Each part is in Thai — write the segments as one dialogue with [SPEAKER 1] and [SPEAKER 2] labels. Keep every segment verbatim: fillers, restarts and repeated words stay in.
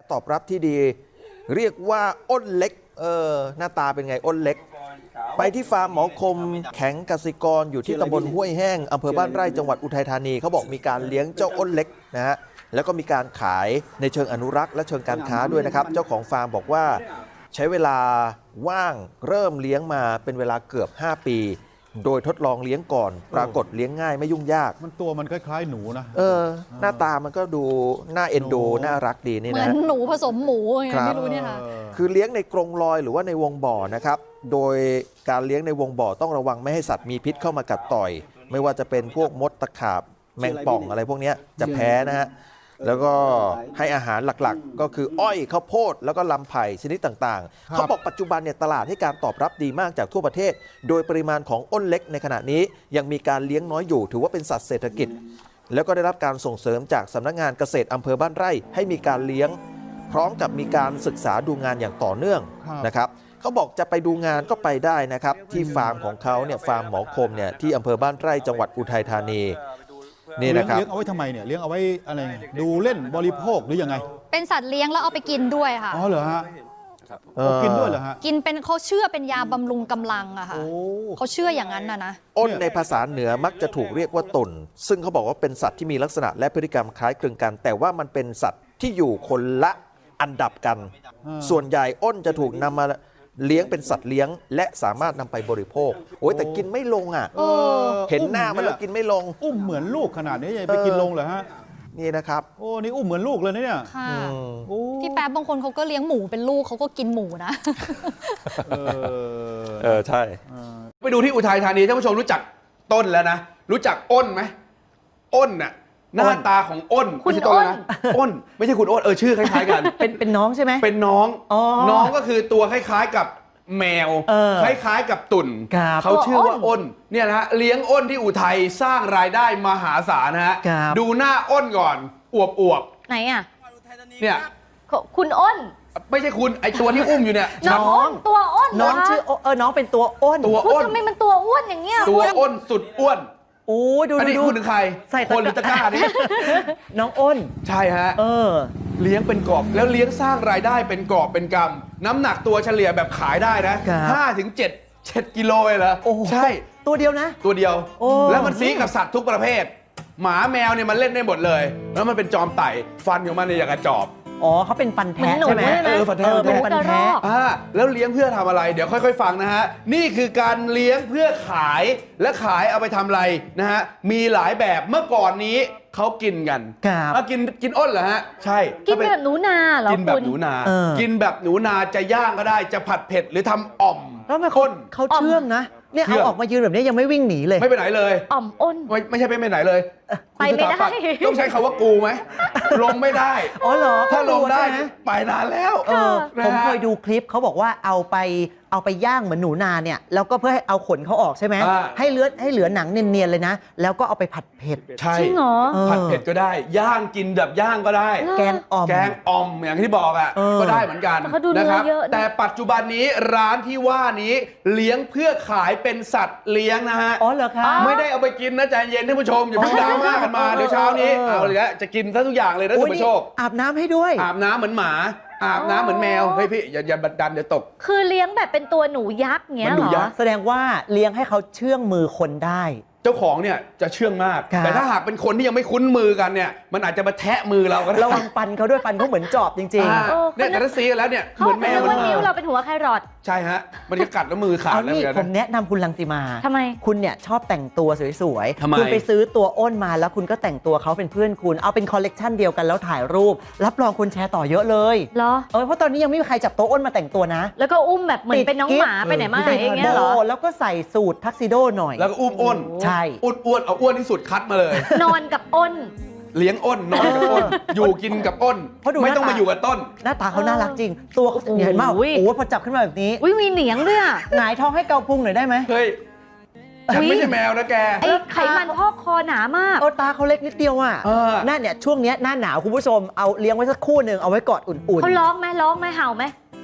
[SPEAKER 1] ตอบรับที่ดีเรียกว่าอ้นเล็กเออหน้าตาเป็นไงอ้นเล็กไปที่ฟาร์มหมอคมแข็งกสิกรอยู่ที่ตำบลห้วยแห้งอำเภอบ้านไร่จังหวัดอุทัยธานีเขาบอกมีการเลี้ยงเจ้าอ้นเล็กนะฮะแล้วก็มีการขายในเชิงอนุรักษ์และเชิงการค้าด้วยนะครับเจ้าของฟาร์มบอกว่าใช้เวลาว่างเริ่มเลี้ยงมาเป็นเวลาเกือบห้าปีโดยทดลองเลี้ยงก่อนปรากฏเลี้ยงง่ายไม่ยุ่งยาก
[SPEAKER 2] มันตัวมันคล้ายๆหนูนะ
[SPEAKER 1] เออหน้าตามันก็ดูน่าเอ็นดูน่ารักดีนี่นะ
[SPEAKER 3] เหมือนหนูผสมหมูไงไม่รู้เนี่ยค่ะ
[SPEAKER 1] คือเลี้ยงในกรงลอยหรือว่าในวงบ่อนะครับโดยการเลี้ยงในวงบ่อต้องระวังไม่ให้สัตว์มีพิษเข้ามากัดต่อยไม่ว่าจะเป็นพวกมดตะขาบแมงป่องอะไรพวกนี้จะแพ้นะฮะแล้วก็ให้อาหารหลักๆก็คืออ้อยข้าวโพดแล้วก็ลำไผ่ชนิดต่างๆเขาบอกปัจจุบันเนี่ยตลาดให้การตอบรับดีมากจากทั่วประเทศโดยปริมาณของอ้นเล็กในขณะนี้ยังมีการเลี้ยงน้อยอยู่ถือว่าเป็นสัตว์เศรษฐกิจแล้วก็ได้รับการส่งเสริมจากสำนักงานเกษตรอำเภอบ้านไร่ให้มีการเลี้ยงพร้อมกับมีการศึกษาดูงานอย่างต่อเนื่องนะครับเขาบอกจะไปดูงานก็ไปได้นะครับที่ฟาร์มของเขาเนี่ยฟาร์มหมอคมเนี่ยที่อำเภอบ้านไร่จังหวัดอุทัยธานีนี่นะครับ
[SPEAKER 2] เลี้ยงเอาไว้ทำไมเนี่ยเลี้ยงเอาไว้อะไรดูเล่นบริโภคหรือยังไง
[SPEAKER 3] เป็นสัตว์เลี้ยงแล้วเอาไปกินด้วยค่ะ
[SPEAKER 2] อ๋อเหรอฮะกินด้วยเหรอฮะ
[SPEAKER 3] กินเป็นเขาเชื่อเป็นยาบำรุงกำลังอะค่ะเขาเชื่ออย่างนั้นนะนะ
[SPEAKER 1] อ้นในภาษาเหนือมักจะถูกเรียกว่าตุ่นซึ่งเขาบอกว่าเป็นสัตว์ที่มีลักษณะและพฤติกรรมคล้ายคลึงกันแต่ว่ามันเป็นสัตว์ที่อยู่คนละอันดับกันส่วนใหญ่อ้นจะถูกนำมาเลี้ยงเป็นสัตว์เลี้ยงและสามารถนำไปบริโภคโอ้ยแต่กินไม่ลงอ่ะเห็นหน้ามันแล้วกินไม่ลง
[SPEAKER 2] อุ้มเหมือนลูกขนาดนี้ยังไปกินลงเหรอฮะ
[SPEAKER 1] นี่นะครับ
[SPEAKER 2] โอ้นี่อุ้มเหมือนลูกเลยเนี่ย
[SPEAKER 3] ค่ะพี่แป๊บบางคนเขาก็เลี้ยงหมูเป็นลูกเขาก็กินหมูนะ
[SPEAKER 1] เออเออใช่
[SPEAKER 4] ไปดูที่อุทัยธานีท่านผู้ชมรู้จักต้นแล้วนะรู้จักอ้นไหมอ้นน่ะหน้าตาของอ้น
[SPEAKER 5] คุณอ้น
[SPEAKER 4] อ้นไม่ใช่คุณอ้นเออชื่อคล้ายๆกัน
[SPEAKER 5] เป็นเป็นน้องใช่ไหม
[SPEAKER 4] เป็นน้องน้องก็คือตัวคล้ายๆกับแมวคล้ายๆกับตุ่นเขาชื่อว่าอ้นเนี่ยนะฮะเลี้ยงอ้นที่อุทัยสร้างรายได้มหาศาลนะฮะดูหน้าอ้นก่อนอวบอวบ
[SPEAKER 3] ไหนอ่ะ
[SPEAKER 4] เนี่ย
[SPEAKER 5] คุณอ้น
[SPEAKER 4] ไม่ใช่คุณไอตัวที่อุ้มอยู่เนี่ย
[SPEAKER 5] น้องตัวอ้น
[SPEAKER 3] น้องชื่อเออน้องเป็นตัวอ้น
[SPEAKER 4] ตัวอ้น
[SPEAKER 5] ทำไมมันตัวอ้วนอย่างเงี้ย
[SPEAKER 4] ตัวอ้นสุดอ้วน
[SPEAKER 3] โอ้ดู
[SPEAKER 4] ดูดูคุณถึงใครใส่คนหรือตะกร้านี่
[SPEAKER 3] น้องอ้น
[SPEAKER 4] ใช่ฮะ
[SPEAKER 3] เออ
[SPEAKER 4] เลี้ยงเป็นกอบแล้วเลี้ยงสร้างรายได้เป็นกอบเป็นกำน้ำหนักตัวเฉลี่ยแบบขายได้นะห้าถึงเจ็ดเจ็ดกิโลเลยเหรอใช่
[SPEAKER 3] ตัวเดียวนะ
[SPEAKER 4] ตัวเดียวแล้วมันซีกับสัตว์ทุกประเภทหมาแมวเนี่ยมันเล่นได้หมดเลยแล้วมันเป็นจอมไต่ฟันของมันเนี่ยอย่างกระจอบ
[SPEAKER 3] อ๋อเขาเป็นฟันแท้ใช่ไหม
[SPEAKER 4] เออฟันแท้
[SPEAKER 3] เป็นฟันแท้
[SPEAKER 4] อ่าแล้วเลี้ยงเพื่อทำอะไรเดี๋ยวค่อยๆฟังนะฮะนี่คือการเลี้ยงเพื่อขายและขายเอาไปทำอะไรนะฮะมีหลายแบบเมื่อก่อนนี้เขากินกัน
[SPEAKER 3] ครับ
[SPEAKER 4] กินกินอ้นเหรอฮะใช่
[SPEAKER 5] กินแบบหนูนาเหรอ
[SPEAKER 4] กินแบบหนูนากินแบบหนูนาจะย่างก็ได้จะผัดเผ็ดหรือทำอ่อม
[SPEAKER 3] แล้วมันคนเขาเชื่องนะเนี่ยเอาออกมายืนแบบนี้ยังไม่วิ่งหนีเลย
[SPEAKER 4] ไม่ไปไหนเลย
[SPEAKER 5] อ่อมอ้น
[SPEAKER 4] ไม่ไม่ใช่ไปไหนเลย
[SPEAKER 5] ไปไม่ได้
[SPEAKER 4] ต้องใช้คำว่ากูไหมลงไม่ได้
[SPEAKER 3] อ๋อเหรอ
[SPEAKER 4] ถ้าลงได้ไปนานแล้ว
[SPEAKER 3] ผมเคยดูคลิปเขาบอกว่าเอาไปเอาไปย่างเหมือนหนูนาเนี่ยแล้วก็เพื่อให้เอาขนเขาออกใช่ไหมให้เลือดให้เหลือหนังเนียนๆเลยนะแล้วก็เอาไปผัดเผ็ด
[SPEAKER 4] ใช่
[SPEAKER 5] จริงเหรอ
[SPEAKER 4] ผัดเผ็ดก็ได้ย่างกินแบบย่างก็ได้
[SPEAKER 3] แกงอ่อม
[SPEAKER 4] แกงอ่อมอย่างที่บอกอ่ะก็ได้เหมือนกันนะครับแต่ปัจจุบันนี้ร้านที่ว่านี้เลี้ยงเพื่อขายเป็นสัตว์เลี้ยงนะฮะ
[SPEAKER 3] อ๋อเหรอครับ
[SPEAKER 4] ไม่ได้เอาไปกินนะใจเย็นท่านผู้ชมอย่าเพิ่งดราม่ากันมาเดี๋ยวเช้านี้เอาเลยนะจะกินซะทุกอย่างเลยนะท่านผู้ชม
[SPEAKER 3] อาบน้ำให้ด้วย
[SPEAKER 4] อาบน้ำเหมือนหมาอาบน้ำเหมือนแมวเฮ้ยพี่อย่าอย่าบัดดันเดี๋ยวตก
[SPEAKER 5] คือเลี้ยงแบบเป็นตัวหนูยักษ์เงี้ยเหรอ
[SPEAKER 3] แสดงว่าเลี้ยงให้เขาเชื่องมือคนได้
[SPEAKER 4] เจ้าของเนี่ยจะเชื่องมากแต่ถ้าหากเป็นคนที่ยังไม่คุ้นมือกันเนี่ยมันอาจจะมาแทะมือเราก็ได้
[SPEAKER 3] ระวังปันเขาด้วยปันเขาเหมือนจอบจริง
[SPEAKER 4] ๆเนี่ยแต่ถ้าซีแล้วเนี่ยเหมือนแมว
[SPEAKER 5] มันนิ้วเราเป็นหัวไครอท
[SPEAKER 4] ใช่ฮะมันจะกัดแล้วมือขาดแล้วเนี่ย
[SPEAKER 3] ผมแนะนำคุณรังสีมา
[SPEAKER 5] ทำไม
[SPEAKER 3] คุณเนี่ยชอบแต่งตัวสวย
[SPEAKER 4] ๆ
[SPEAKER 3] คุณไปซื้อตัวอ้นมาแล้วคุณก็แต่งตัวเขาเป็นเพื่อนคุณเอาเป็นคอลเลกชันเดียวกันแล้วถ่ายรูปรับรองคนแชร์ต่อเยอะเลย
[SPEAKER 5] เหรอ
[SPEAKER 3] เออเพราะตอนนี้ยังไม่มีใครจับตัวอ้นมาแต่งตัวนะ
[SPEAKER 5] แล้วก็อุ้มแบบเหมือนเป็นน้องหมาไปไหนมาไหนอย่างเงี้ยเหรอ
[SPEAKER 3] แล้วก็ใส่สูททักซิโดหน่อย
[SPEAKER 4] แล้วก็อุ้มอ้น
[SPEAKER 3] ใช่
[SPEAKER 4] อ้วนเอาอ้วนที่สุดคัดมาเลย
[SPEAKER 5] นอนกับอ้น
[SPEAKER 4] เลี้ยงอ้นนอนกับอ้นอยู่กินกับอ้นไม่ต้องมาอยู่กับต้น
[SPEAKER 3] หน้าตาเขาน่ารักจริงตัวเขาเห็นมากโอ้โหพอจับขึ้นมาแบบนี้
[SPEAKER 5] อุ้ยมีเหนียงด้วยอ่ะ
[SPEAKER 3] หงายท้องให้เกาพุงหน่อยได้ไหม
[SPEAKER 4] เฮ้ยฉันไม่ใช่แมวนะแก
[SPEAKER 5] ไอ้ไขมันพอกคอหนามาก
[SPEAKER 3] เออตาเขาเล็กนิดเดียวอ่ะหน้าเนี่ยช่วงนี้หน้าหนาวคุณผู้ชมเอาเลี้ยงไว้สักคู่หนึ่งเอาไว้กอดอุ่นๆ
[SPEAKER 5] เขาร้องไหมร้องไหมเห่าไหม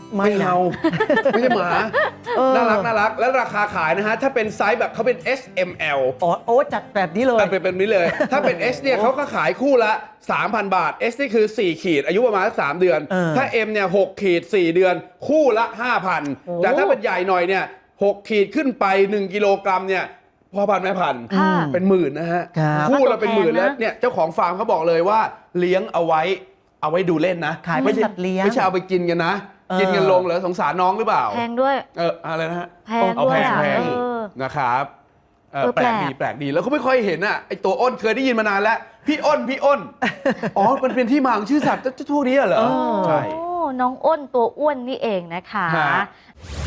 [SPEAKER 3] ไม่
[SPEAKER 4] ไม่
[SPEAKER 3] นะ
[SPEAKER 4] เอาไม่ใช่หมา
[SPEAKER 3] เออ
[SPEAKER 4] น่ารักน่ารักแล้วราคาขายนะฮะ ถ้าเป็นไซส์แบบเขาเป็น เอส เอ็ม แอล
[SPEAKER 3] อ๋อโอ้จัดแบบนี้เลย
[SPEAKER 4] แต่เป็นแบบนี้เลย ถ้าเป็น S เนี่ยเขาก็ขายคู่ละ สามพัน บาท S นี่คือ สี่ ขีด อายุประมาณสักสามเดือน
[SPEAKER 3] เออ
[SPEAKER 4] ถ้า M เนี่ย หก ขีด สี่ เดือน คู่ละ ห้าพัน
[SPEAKER 3] โอ้
[SPEAKER 4] แต่ถ้าเป็นใหญ่หน่อยเนี่ย หก ขีดขึ้นไป หนึ่ง กิโลกรัมเนี่ยพ่อพันธุ์แม่พันธุ์
[SPEAKER 5] ค่ะ
[SPEAKER 4] เป็นหมื่นนะฮะ
[SPEAKER 3] ครับ
[SPEAKER 4] คู่ละเป็นหมื่น
[SPEAKER 5] แพงนะ
[SPEAKER 4] แล้วเนี่ยเจ้าของฟาร์มเขาบอกเลยว่าเลี้ยงเอาไว้เอาไว้ดูเล่นนะ
[SPEAKER 3] ขายเป็น
[SPEAKER 4] ไม่ใช่
[SPEAKER 3] สัตว์เลี้ยง
[SPEAKER 4] ไม่ใช่เอาไปกินกันนะ
[SPEAKER 3] เออ
[SPEAKER 4] กินกันลงเหรอสงสารน้องหรือเปล่า
[SPEAKER 5] แพงด้วย
[SPEAKER 4] เอออะไรนะฮะ
[SPEAKER 5] แพง
[SPEAKER 4] เอา
[SPEAKER 5] ด้ว
[SPEAKER 4] แพ
[SPEAKER 5] ย
[SPEAKER 4] ง
[SPEAKER 5] อ่ะ
[SPEAKER 4] แพง
[SPEAKER 5] เออ
[SPEAKER 4] นะครับเออ
[SPEAKER 5] เออ
[SPEAKER 4] แปลก
[SPEAKER 5] แปลก
[SPEAKER 4] ดีแปลกดีแล้วก็ไม่ค่อยเห็นอ่ะไอตัวอ้นเคยได้ยินมานานแล้ว พี่อ้นพี่อ้น อ๋อมันเป็นที่มาของชื่อสัตว์เจ้าพวกนี้เหรอ
[SPEAKER 3] เออ
[SPEAKER 4] ใช่
[SPEAKER 5] โอ้น้องอ้นตัวอ้วนนี่เองนะคะ
[SPEAKER 4] ฮะ